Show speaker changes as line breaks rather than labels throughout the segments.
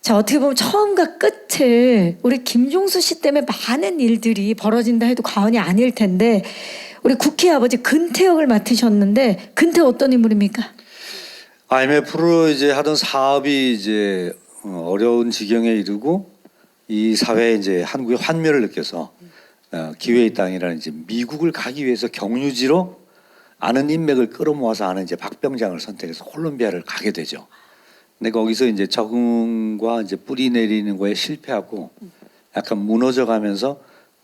자, 어떻게 보면 처음과 끝을 우리 김종수 씨 때문에 많은 일들이 벌어진다 해도 과언이 아닐 텐데 우리 국회 아버지 근태역을 맡으셨는데 근태 어떤 인물입니까?
IMF로 이제 하던 사업이 이제 어려운 지경에 이르고 이 사회에 이제 한국의 환멸을 느껴서 기회의 땅이라는 이제 미국을 가기 위해서 경유지로 아는 인맥을 끌어모아서 하는 이제 박병장을 선택해서 콜롬비아를 가게 되죠. 근데 거기서 이제 적응과 이제 뿌리 내리는 거에 실패하고 약간 무너져가면서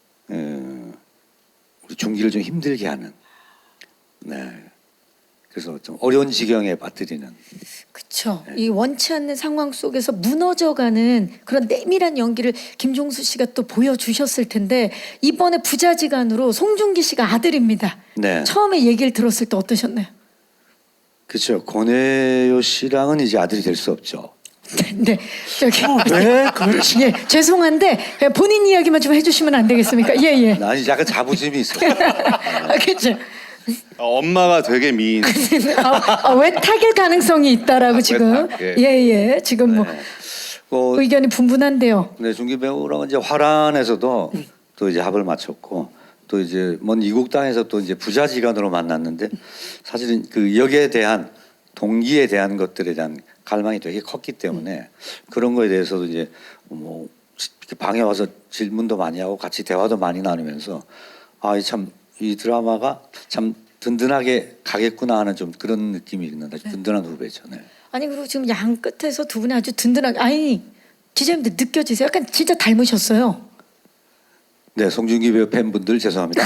우리 중기를 좀 힘들게 하는. 네. 그래서 좀 어려운 지경에 빠뜨리는.
그렇죠. 이 원치 않는 상황 속에서 무너져가는 그런 내밀한 연기를 김종수 씨가 또 보여주셨을 텐데 이번에 부자지간으로 송중기 씨가 아들입니다.
네.
처음에 얘기를 들었을 때 어떠셨나요?
그렇죠. 권혜요 씨랑은 이제 아들이 될 수 없죠.
네, 저기
왜? 그렇지.
예, 죄송한데 본인 이야기만 좀 해주시면 안 되겠습니까? 예, 예.
난 약간 자부심이 있어.
그렇죠.
엄마가 되게 미인.
왜 타겟 가능성이 있다라고 지금
예.
예, 지금 뭐 의견이 분분한데요.
네, 중기 배우랑은 이제 화란에서도 또 이제 합을 맞췄고 또 이제 먼 이국 땅에서 또 이제 부자지간으로 만났는데 사실은 그 역에 대한 동기에 대한 것들에 대한 갈망이 되게 컸기 때문에 그런 거에 대해서도 이제 뭐 방에 와서 질문도 많이 하고 같이 대화도 많이 나누면서 이 드라마가 참 든든하게 가겠구나 하는 좀 그런 느낌이 있는데 든든한 후배죠. 네.
아니 그리고 지금 양 끝에서 두 분이 아주 든든하게 아니 기자님들 느껴지세요? 약간 진짜 닮으셨어요.
네, 송중기 배우 팬분들 죄송합니다.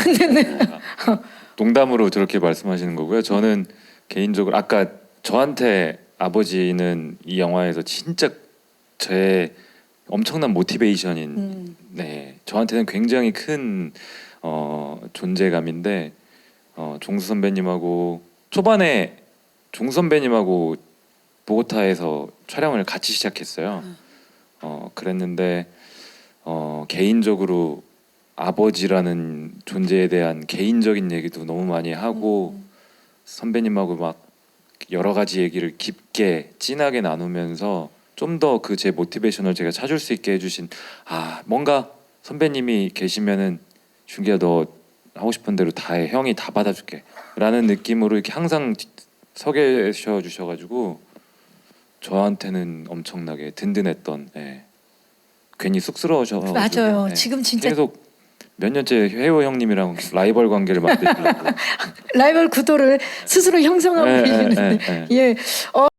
농담으로 저렇게 말씀하시는 거고요. 저는 개인적으로 아까 저한테 아버지는 이 영화에서 진짜 제 엄청난 모티베이션인 네 저한테는 굉장히 큰 존재감인데 종수 선배님하고 초반에 종수 선배님하고 보고타에서 촬영을 같이 시작했어요. 그랬는데 개인적으로 아버지라는 존재에 대한 개인적인 얘기도 너무 많이 하고 선배님하고 막 여러 가지 얘기를 깊게 진하게 나누면서 좀 더 그 제 모티베이션을 제가 찾을 수 있게 해주신 뭔가 선배님이 계시면은 준기야 너 하고 싶은 대로 다 해 형이 다 받아줄게 라는 느낌으로 이렇게 항상 서 계셔 주셔가지고 저한테는 엄청나게 든든했던 괜히 쑥스러우셔가지고
맞아요. 지금 진짜
계속 몇 년째 회호 형님이랑 라이벌 관계를 만들려고
라이벌 구도를 스스로 형성하고 계시는데 예.